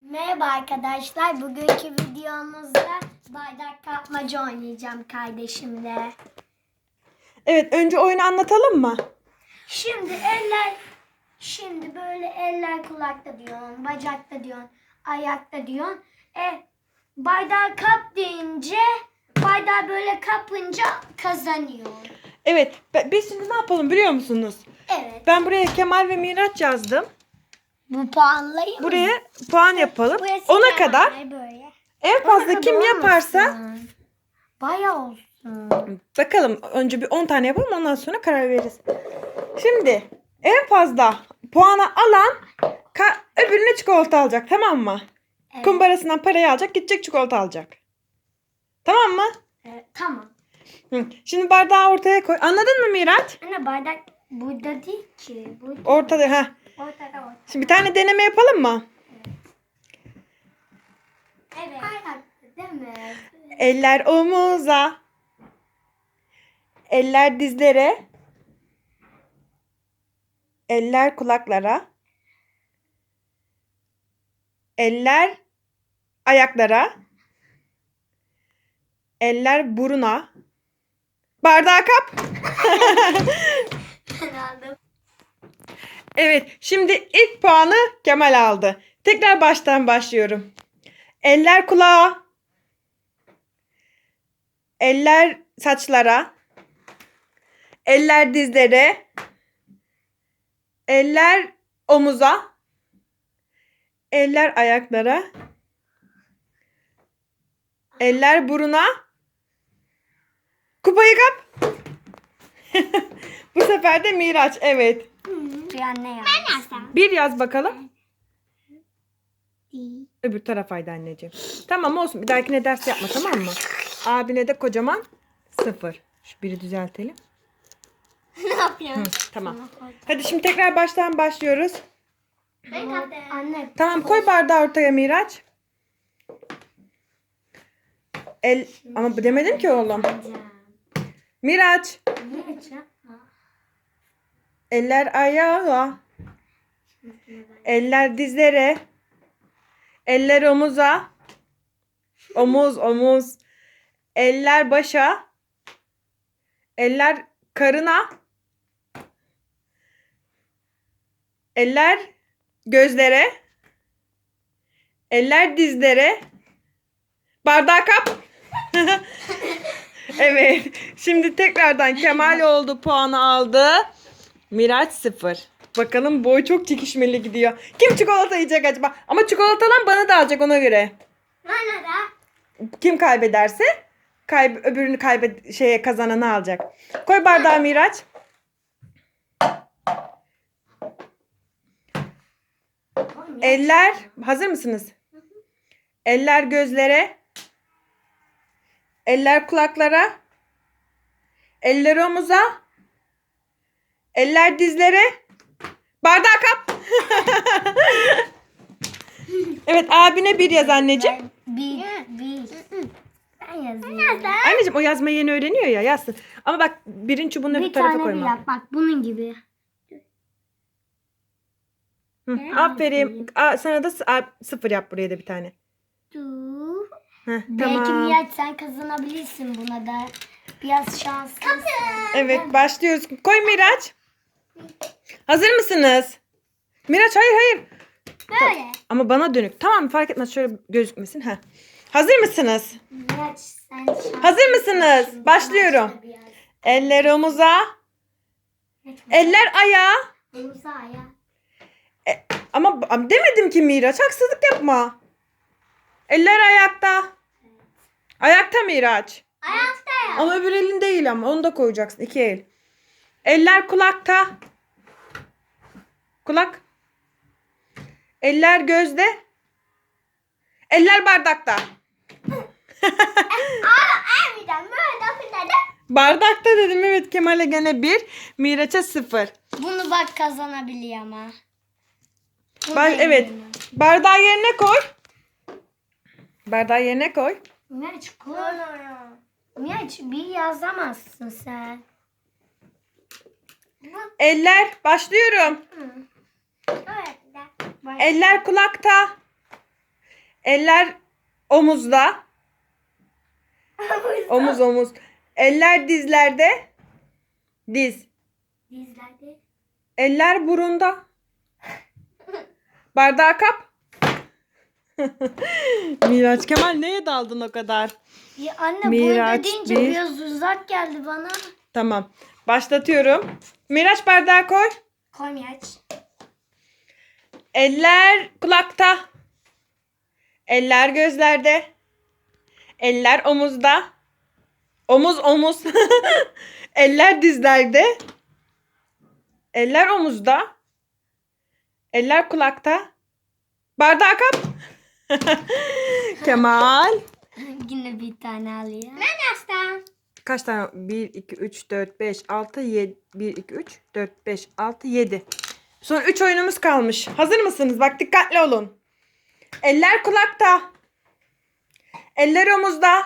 Merhaba arkadaşlar. Bugünkü videomuzda bardak kapmaca oynayacağım kardeşimle. Evet, önce oyunu anlatalım mı? Şimdi böyle eller kulakta diyorsun, bacakta diyorsun, ayakta diyorsun. Bardağı kap deyince, bardağı böyle kapınca kazanıyor. Evet, biz şimdi ne yapalım biliyor musunuz? Evet. Ben buraya Kemal ve Miraç yazdım. Bu puanlayı mı? Buraya puan yapalım. Burası 10'a Kemal kadar böyle. en fazla kim yaparsa Bayağı olsun. bakalım önce bir 10 tane yapalım ondan sonra karar veririz. Şimdi en fazla puanı alan öbürüne çikolata alacak, tamam mı? Evet. Kumbarasından parayı alacak, gidecek çikolata alacak. Tamam mı? Evet, tamam. Şimdi bardağı ortaya koy. Anladın mı Miraç? Anne bardak burada değil ki. Burada. Ortada ha. Ortada. Şimdi bir tane deneme yapalım mı? Evet. Bardak değil mi? Eller omuza. Eller dizlere. Eller kulaklara. Eller ayaklara. Eller buruna. Bardağı kap. Ben aldım. Evet, şimdi ilk puanı Kemal aldı. Tekrar baştan başlıyorum. Eller kulağa. Eller saçlara. Eller dizlere. Eller omuza. Eller ayaklara. Eller buruna. Kupayı kap. Bu sefer de Miraç. Evet. Bir anne yaz. Ben yazsam. Bir yaz bakalım. Öbür tarafaydı anneciğim. Tamam olsun. Bir dahakine ders yapma, tamam mı? Abine de kocaman 0. Şu biri düzeltelim. Ne yapıyorsun? Tamam. Hadi şimdi tekrar baştan başlıyoruz. Ben kaptım. Anne. Tamam, koy bardağı ortaya Miraç. Ama demedim ki oğlum. Miraç. Ne yapacağım? Eller ayağa. Eller dizlere. Eller omuza. Omuz. Eller başa. Eller karına. Eller gözlere. Eller dizlere. Bardağı kap. Evet. Şimdi tekrardan Kemal oldu. Puanı aldı. Miraç 0. Bakalım boy çok çekişmeli gidiyor. Kim çikolata yiyecek acaba? Ama çikolatadan bana da alacak, ona göre. Bana da. Kim kaybederse öbürünü kazananı alacak. Koy bardağı Miraç. Eller hazır mısınız? Eller gözlere. Eller kulaklara. Eller omuza. Eller dizlere. Bardağı kap. Evet, abine 1 yaz anneciğim. Bir. Ben yazayım. Anneciğim o yazmayı yeni öğreniyor ya, yazsın. Ama bak, birin çubuğunu öbür Bir tarafa tane bir koyma. yap. Bak bunun gibi. Aferin. Sana da 0 yap, buraya da bir tane. Dur. Tamam. Belki Miraç sen kazanabilirsin buna da. Biraz şanslısın. Evet, başlıyoruz. Koy Miraç. Hazır mısınız? Miraç hayır. Böyle. Ama bana dönük. Tamam, fark etmez, şöyle gözükmesin. Hazır mısınız? Miraç sen şanslısın. Hazır mısınız? Başlıyorum. Eller omuza. Eller ayağa. Omuza ya. Ama demedim ki Miraç, haksızlık yapma. Eller ayakta. Ayakta Miraç. Ayakta ya. Ama öbür elin değil, ama onu da koyacaksın. 2 el. Eller kulakta. Kulak. Eller gözde. Eller bardakta. Bardakta dedim, evet. Kemal'e gene 1. Miraç'a 0. Bunu bak kazanabiliyor ama. Evet. Bardağı yerine koy. Bardağı yerine koy. Miraç koy. Miraç bir yazamazsın sen. Eller. Başlıyorum. Eller kulakta. Eller omuzda. Omuz omuz. Eller dizlerde. Diz. Dizlerde. Eller burunda. Bardağı kap. Miraç Kemal neye daldın o kadar? Ya anne Miraç burada deyince bir. biraz uzak geldi bana. Tamam. Başlatıyorum. Miraç bardağı koy. Koy Miraç. Eller kulakta. Eller gözlerde. Eller omuzda. Omuz omuz. Eller dizlerde. Eller omuzda. Eller kulakta. Bardağı kap. Kemal. Yine bir tane alıyor. Ben açtım. Kaç tane? 1, 2, 3, 4, 5, 6, 7. 1, 2, 3, 4, 5, 6, 7. Son 3 oyunumuz kalmış. Hazır mısınız? Bak dikkatli olun. Eller kulakta. Eller omuzda.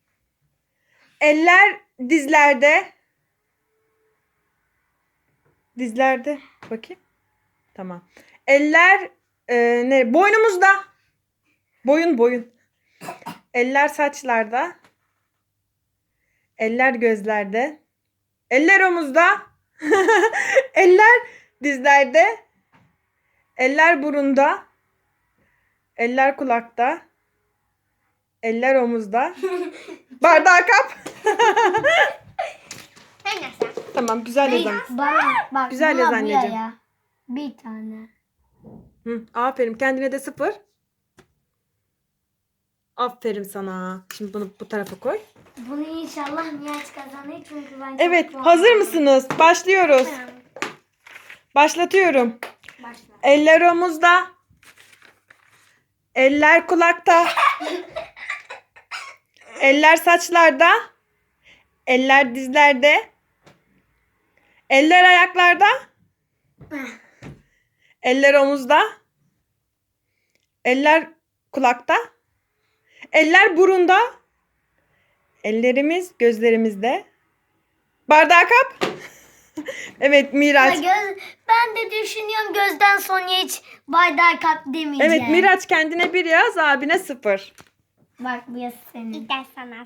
Eller dizlerde. Dizlerde. Bakayım. Tamam. Eller boynumuzda. Boyun. Eller saçlarda. Eller gözlerde. Eller omuzda. Eller dizlerde. Eller burunda. Eller kulakta. Eller omuzda. Bardağı kap. Ben açtım. Tamam güzel yazan. Bak Güzel yaz anneciğim. ya. Bir tane. Hı, aferin kendine de 0. Aferin sana. Şimdi bunu bu tarafa koy. Bunu inşallah Miraç kazanır çünkü ben çok Evet puan hazır aldım. mısınız? Başlıyoruz. Tamam, Başlatıyorum. başla. Eller omuzda. Eller kulakta. Eller saçlarda. Eller dizlerde. Eller ayaklarda. Eller omuzda. Eller kulakta. Eller burunda. Ellerimiz gözlerimizde. Bardağı kap. Evet Miraç. Ben de düşünüyorum gözden sonra hiç bardağı kap demeyeceğim. Evet Miraç kendine 1 yaz, abine 0. Bak bu yaz senin. Bir de sana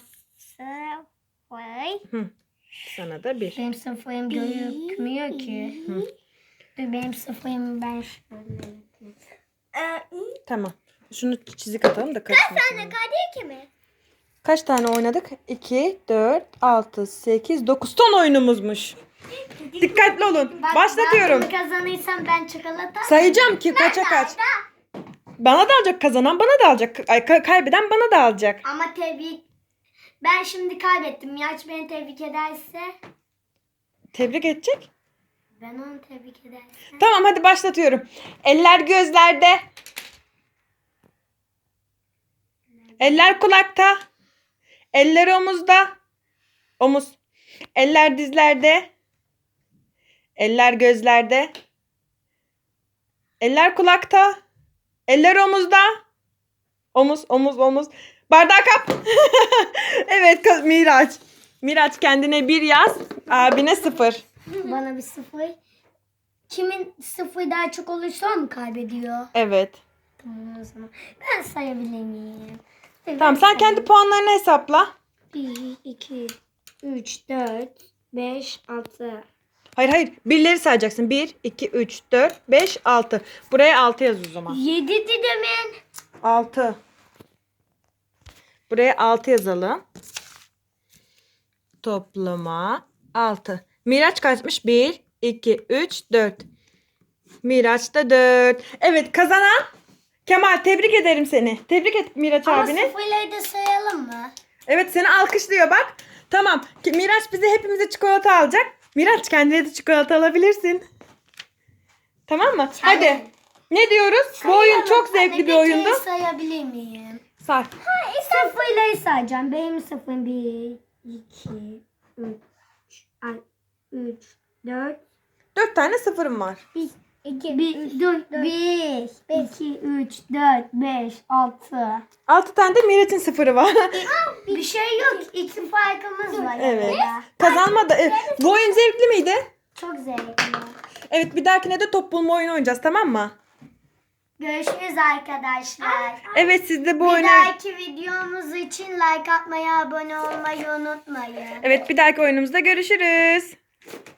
sıfır. Sana da 1. Benim sıfırım gözükmüyor ki. Dur benim sıfırım ben şöyle. Tamam. Şunu çizik atalım da karışmasın. Kadeh mi? Kaç tane oynadık? 2, 4, 6, 8, 9 ton oyunumuzmuş. Dikkatli olun. Başlatıyorum. Ben bunu kazanırsam ben çikolata. Sayacağım ki kaça kaç. Bana da alacak kazanan, bana da alacak. Kaybeden bana da alacak. Ama ben şimdi kaybettim. Miraç beni tebrik ederse. Tebrik edecek. Ben onu tebrik edersem. Tamam hadi başlatıyorum. Eller gözlerde. Eller kulakta. Eller omuzda. Omuz. Eller dizlerde. Eller gözlerde. Eller kulakta. Eller omuzda. Omuz. Bardağı kap. Evet Miraç. Miraç kendine 1 yaz. Abine 0. Bana bir sıfır. Kimin sıfır daha çok olursa o mu kaybediyor? Evet. Tamam o zaman. Ben sayabilir miyim? Tamam sen kendi puanlarını hesapla. 1, 2, 3, 4, 5, 6. Hayır. Birleri sayacaksın. 1, 2, 3, 4, 5, 6. Buraya 6 yaz o zaman. 7 demin. 6. Buraya 6 yazalım. Toplama 6. Miraç kaçmış? 1, 2, 3, 4. Miraç da 4. Evet kazanan Kemal, tebrik ederim seni. Tebrik et Miraç Ama abini. sıfırları da sayalım mı? Evet seni alkışlıyor bak. Tamam. Miraç bize hepimize çikolata alacak. Miraç kendine de çikolata alabilirsin. Tamam mı? Hadi. Ne diyoruz? Bu oyun çok zevkli bir oyundu. Sayabilir miyim? Say. Sıfırları sayacağım. Benim sıfırım 1, 2, 3, 4, 4 tane sıfırım var. 2, 1, 2, 3, 4, 5, 6. 6 tane de Miraç'ın sıfırı var. Bir şey yok. 2 farkımız var. Evet. arada. Kazanma da. Evet. Bu oyun zevkli miydi? Çok zevkli. Evet bir dahakine de top bulma oyunu oynayacağız, tamam mı? Görüşürüz arkadaşlar. Evet, siz de bu Bir oyunu... dahaki videomuz için like atmayı, abone olmayı unutmayın. Evet, bir dahaki oyunumuzda görüşürüz.